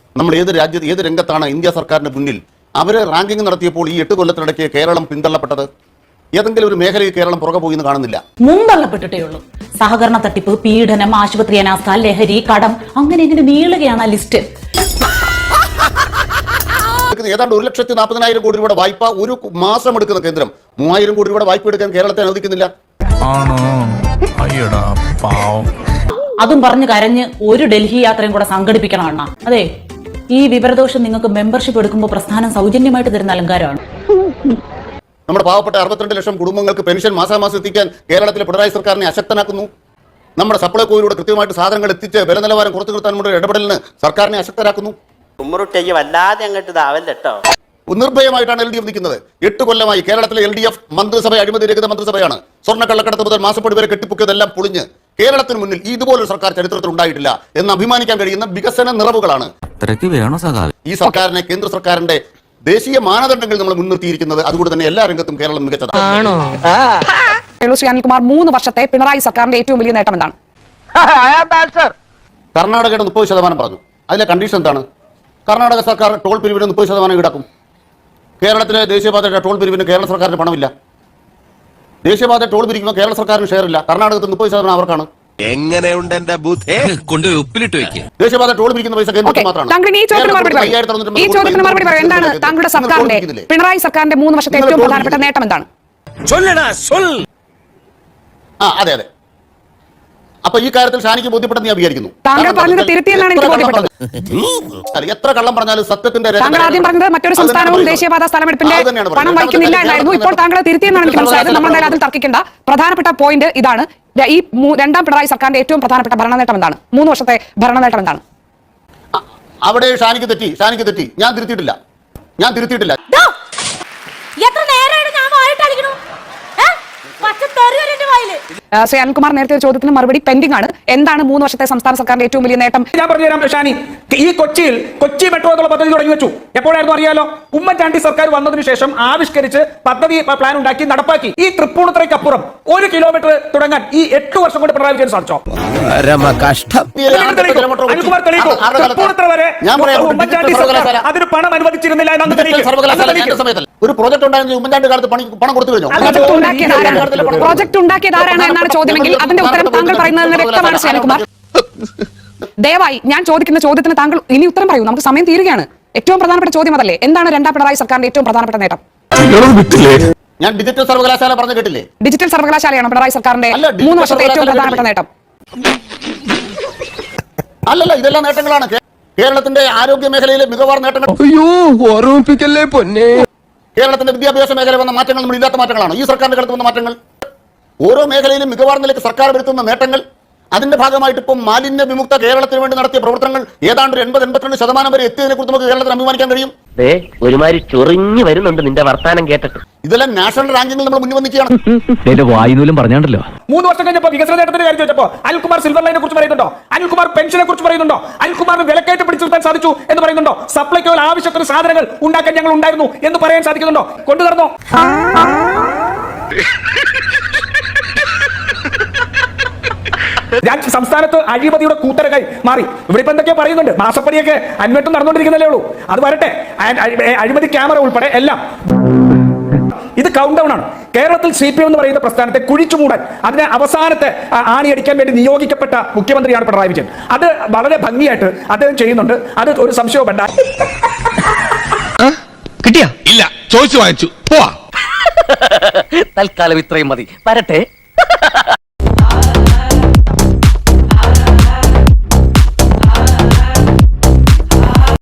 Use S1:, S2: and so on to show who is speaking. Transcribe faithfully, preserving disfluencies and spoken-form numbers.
S1: നമ്മൾ ഏത് രാജ്യത്ത് ഏത് രംഗത്താണ് ഇന്ത്യ സർക്കാരിന്റെ മുന്നിൽ അവര് റാങ്കിംഗ് നടത്തിയപ്പോൾ ഈ എട്ട് കൊല്ലത്തിനിടയ്ക്ക് കേരളം പിന്തള്ളപ്പെട്ടത്? ഏതെങ്കിലും ഒരു മേഖലയിൽ കേരളം പുറകെ പോയി എന്ന് കാണുന്നില്ല.
S2: മുന്തള്ളപ്പെട്ടിട്ടേ ഉള്ളൂ. സഹകരണ തട്ടിപ്പ്, പീഡനം, ആശുപത്രി അനാസ്ഥ, ലഹരി, കടം, അങ്ങനെ ഇങ്ങനെ നീളുകയാണ് ആ ലിസ്റ്റ്.
S1: ഏതാണ്ട് ഒരു ലക്ഷത്തി നാൽപ്പതിനായിരം കോടി രൂപയുടെ വായ്പ ഒരു മാസം എടുക്കുന്ന കേന്ദ്രം മൂവായിരം കോടി രൂപയുടെ വായ്പ എടുക്കാൻ കേരളത്തെ അനുവദിക്കുന്നില്ല.
S2: അതും പറഞ്ഞ് കരഞ്ഞ് ഒരു ഡൽഹി യാത്രയും കൂടെ സംഘടിപ്പിക്കണം അണ്ണാ. അതെ, ഈ വിവരദോഷം നിങ്ങൾക്ക് മെമ്പർഷിപ്പ് എടുക്കുമ്പോൾ പ്രസ്ഥാനം സൗജന്യമായിട്ട് തരുന്ന അലങ്കാരമാണ്.
S1: നമ്മുടെ പാവപ്പെട്ട അറുപത്തിരണ്ട് ലക്ഷം കുടുംബങ്ങൾക്ക് പെൻഷൻ മാസാമാസം എത്തിക്കാൻ കേരളത്തിലെ പിണറായി സർക്കാരിനെ അശക്തനാക്കുന്നു. നമ്മുടെ സപ്ലൈകോയിലൂടെ കൃത്യമായിട്ട് സാധനങ്ങൾ എത്തിച്ച് വില നിലവാരം കുറച്ചു നിർത്താൻ നമ്മുടെ ഇടപെടലിന് സർക്കാരിനെ അശക്തരാക്കുന്നു.
S3: വല്ലാതെ അങ്ങോട്ട് ഇതാവല്ലോ.
S1: നിർഭയമായിട്ടാണ് എൽ ഡി എഫ് നിൽക്കുന്നത്. എട്ട് കൊല്ലമായി കേരളത്തിലെ എൽ ഡി എഫ് മന്ത്രിസഭ അഴിമതി രഹിത മന്ത്രിസഭയാണ്. സ്വർണ്ണക്കള്ളക്കടത്ത് മുതൽ മാസപ്പടി വരെ കെട്ടിപ്പൊക്കിയതെല്ലാം പൊളിഞ്ഞ് കേരളത്തിന് മുന്നിൽ ഇതുപോലൊരു സർക്കാർ ചരിത്രത്തിൽ ഉണ്ടായിട്ടില്ല എന്ന് അഭിമാനിക്കാൻ കഴിയുന്ന വികസന നിറവുകളാണ് ഈ സർക്കാരിനെ കേന്ദ്ര സർക്കാരിന്റെ ദേശീയ മാനദണ്ഡങ്ങൾ നമ്മൾ മുൻനിർത്തിയിരിക്കുന്നത്. അതുകൊണ്ട് തന്നെ എല്ലാ രംഗത്തും കേരളം മികച്ചതാണ്.
S4: ശ്രീ അനിൽകുമാർ, മൂന്ന് വർഷത്തെ പിണറായി സർക്കാരിന്റെ ഏറ്റവും വലിയ നേട്ടം എന്താണ്?
S1: കർണാടകയുടെ മുപ്പത് ശതമാനം പറഞ്ഞു. അതിലെ കണ്ടീഷൻ എന്താണ്? കർണാടക സർക്കാർ ടോൾ പിരിവിന് മുപ്പത് ശതമാനം ഈടാക്കും. കേരളത്തിലെ ദേശീയപാതയുടെ ടോൾ പിരിവിന് കേരള സർക്കാരിന് പണമില്ല. ദേശീയപാത ടോൾ പിരിക്കുമ്പോൾ കേരള സർക്കാരിന് ഷെയർ ഇല്ല. കർണാടകത്തിൽ മുപ്പത് ശതമാനം അവർക്കാണ്.
S5: എങ്ങനെയുണ്ട് എന്റെ ബുദ്ധി? കൊണ്ടുപോയി ഉപ്പിലിട്ട് വെക്കുക.
S1: ദേശീയപാത ടോൾ പിരിക്കുന്ന പൈസ കേന്ദ്രത്തിൽ മാത്രമാണ്.
S4: താങ്കളുടെ സർക്കാരിന്റെ പിണറായി സർക്കാരിന്റെ മൂന്ന് വർഷത്തെ ഏറ്റവും പ്രധാനപ്പെട്ട നേട്ടം എന്താണ്?
S1: ആ അതെ അതെ. അപ്പൊ ഈ കാര്യത്തിൽ ഷാനിക്ക് ബോധ്യപ്പെട്ടെന്ന് ഞാൻ വിചാരിക്കുന്നു.
S4: താങ്കൾ പറഞ്ഞത് തിരുത്തിയെന്നാണ് എനിക്ക് ബോധ്യപ്പെട്ടത്.
S1: എത്ര കള്ളം പറഞ്ഞാലും സത്യത്തിന്റെ
S4: താങ്കൾ ആദ്യം പറഞ്ഞത് മറ്റൊരു സംസ്ഥാനവും ദേശീയപാത സ്ഥലമെടുപ്പിന്റെ പണം വഹിക്കുന്നില്ല എന്നായിരുന്നു. ഇപ്പോൾ താങ്കൾ തിരുത്തിയെന്നാണ് എനിക്ക് മനസ്സിലായത്. നമ്മൾ എന്തായാലും അതിൽ തർക്കിക്കേണ്ട. പ്രധാനപ്പെട്ട പോയിന്റ് ഇതാണ്. ഈ രണ്ടാം പിണറായി സർക്കാരിന്റെ ഏറ്റവും പ്രധാനപ്പെട്ട ഭരണ നേട്ടം എന്താണ്? മൂന്ന് വർഷത്തെ ഭരണ നേട്ടം എന്താണ്?
S1: അവിടെ ഷാനിക്ക് തെറ്റി. ഷാനിക്ക് തെറ്റി. ഞാൻ തിരുത്തിയിട്ടില്ല. ഞാൻ തിരുത്തിയിട്ടില്ല.
S4: ശ്രീ അനിൽകുമാർ നേരത്തെ ഒരു ചോദ്യത്തിന് മറുപടി പെൻഡിംഗ് ആണ്. എന്താണ് മൂന്ന് വർഷത്തെ സംസ്ഥാന സർക്കാരിന്റെ ഏറ്റവും വലിയ നേട്ടം?
S6: ഞാൻ പറഞ്ഞുതരാം ഷാനി. ഈ കൊച്ചിയിൽ കൊച്ചി മെട്രോ എന്നുള്ള പദ്ധതി തുടങ്ങി വെച്ചു. എപ്പോഴായിരുന്നു അറിയാലോ? ഉമ്മൻചാണ്ടി സർക്കാർ വന്നതിന് ശേഷം ആവിഷ്കരിച്ച് പദ്ധതി പ്ലാൻ ഉണ്ടാക്കി നടപ്പാക്കി. ഈ തൃപ്പൂണിത്തുറയ്ക്കപ്പുറം ഒരു കിലോമീറ്റർ തുടങ്ങാൻ ഈ എട്ട് വർഷം കൊണ്ട് പിണറായി വിജയൻ സാധിച്ചോ? അനിൽകുമാർ തെളിയിക്കോ? തൃപ്പൂണിത്തുറ വരെ ഉമ്മൻചാണ്ടി സർക്കാർ അതിന് പണം അനുവദിച്ചിരുന്നില്ല എന്ന്
S1: ഒരു പ്രോജക്ട് ഉണ്ടായിരുന്നു ഉമ്മൻചാണ്ടി കാലത്ത് പണം കൊടുത്തു കഴിഞ്ഞു.
S4: പ്രോജക്ട് ഉണ്ടാക്കിയത് ആരാണ് എന്നാണ് ചോദ്യമെങ്കിൽ അതിന്റെ ഉത്തരം താങ്കൾ പറയുന്നതിന് വ്യക്തമാണ് ശ്രീ അനിൽകുമാർ. ദയവായി ഞാൻ ചോദിക്കുന്ന ചോദ്യത്തിന് താങ്കൾ ഇനി ഉത്തരം പറയൂ. നമുക്ക് സമയം തീരുകയാണ്. ഏറ്റവും പ്രധാനപ്പെട്ട ചോദ്യം അതല്ലേ? എന്താണ് രണ്ടാം പിണറായി സർക്കാരിന്റെ ഏറ്റവും പ്രധാനപ്പെട്ട നേട്ടം?
S1: ഞാൻ ഡിജിറ്റൽ സർവകലാശാല പറഞ്ഞു കേട്ടില്ലേ?
S4: ഡിജിറ്റൽ സർവകലാശാലയാണ് പിണറായി സർക്കാരിന്റെ മൂന്ന് വർഷത്തെ ഏറ്റവും പ്രധാനപ്പെട്ട നേട്ടം.
S1: അല്ലല്ല, ഇതെല്ലാം നേട്ടങ്ങളാണ്. കേരളത്തിന്റെ ആരോഗ്യ മേഖലയിലെ മികവാർ നേട്ടങ്ങൾ. കേരളത്തിന്റെ വിദ്യാഭ്യാസ മേഖല വന്ന മാറ്റങ്ങൾ നമ്മൾ ഇല്ലാത്ത മാറ്റങ്ങളാണ്. ഈ സർക്കാരിന്റെ കാലത്ത് വന്ന മാറ്റങ്ങൾ. ഓരോ മേഖലയിലും മികവാർന്ന നിലയ്ക്ക് സർക്കാർ വരുത്തുന്ന നേട്ടങ്ങൾ. അതിന്റെ ഭാഗമായിട്ട് ഇപ്പം മാലിന്യ വിമുക്ത കേരളത്തിന് വേണ്ടി നടത്തിയ പ്രവർത്തനങ്ങൾ ഏതാണ്ട് എൺപത് എൺപത്തിരണ്ട് ശതമാനം വരെ എത്തിയതിനെ കുറിച്ച് നമുക്ക് കേരളത്തിൽ അഭിമാനിക്കാൻ കഴിയും.
S3: ഒരുമാതിരി ചൊറിഞ്ഞു വരുന്നുണ്ട് നിന്റെ വർത്താനം കേട്ടിട്ട്.
S1: ഇതെല്ലാം നാഷണൽ റാങ്കിങ്ങിൽ നമ്മൾ മുന്നിൽ വന്നിരിക്കുകയാണ്.
S6: പറഞ്ഞാണ്ടല്ലോ. മൂന്ന് വർഷം കഴിഞ്ഞപ്പോൾ വികസന നേട്ടത്തിന്റെ കാര്യം ചോദിച്ചപ്പോൾ അനിൽകുമാർ സിൽവർ ലൈനെ കുറിച്ച് പറയുന്നുണ്ടോ? അനിൽകുമാർ പെൻഷനെ കുറിച്ച് പറയുന്നുണ്ടോ? അനിൽകുമാറിന് വിലക്കയറ്റം പിടിച്ചു നിർത്താൻ സാധിച്ചു എന്ന് പറയുന്നുണ്ടോ? സപ്ലൈകോയിൽ ആവശ്യത്തിന് സാധനങ്ങൾ ഉണ്ടാക്കാൻ ഞങ്ങൾ ഉണ്ടായിരുന്നു എന്ന് പറയാൻ സാധിക്കുന്നുണ്ടോ? കൊണ്ടുവരണോ? സംസ്ഥാനത്ത് അഴിമതിയുടെ കൂത്തരകൈ മാറി. ഇവിടെ ഇപ്പൊ എന്തൊക്കെയോ പറയുന്നുണ്ട്. മാസപ്പടിയൊക്കെ അന്വേഷണം നടന്നുകൊണ്ടിരിക്കുന്നല്ലേ ഉള്ളൂ. അത് വരട്ടെ. അഴിമതി ക്യാമറ ഉൾപ്പെടെ എല്ലാം. ഇത് കൗണ്ട് ഡൗൺ ആണ്. കേരളത്തിൽ സി പി എം എന്ന് പറയുന്ന പ്രസ്ഥാനത്തെ കുഴിച്ചുമൂടാൻ, അതിനെ അവസാനത്തെ ആണിയടിക്കാൻ വേണ്ടി നിയോഗിക്കപ്പെട്ട മുഖ്യമന്ത്രിയാണ് പിണറായി വിജയൻ. അത് വളരെ ഭംഗിയായിട്ട് അദ്ദേഹം ചെയ്യുന്നുണ്ട്. അത് ഒരു സംശയവും വേണ്ട.
S5: കിട്ടിയ ഇല്ല, ചോദിച്ചു വാങ്ങിച്ചു.
S3: തൽക്കാലം ഇത്രയും മതി. വരട്ടെ.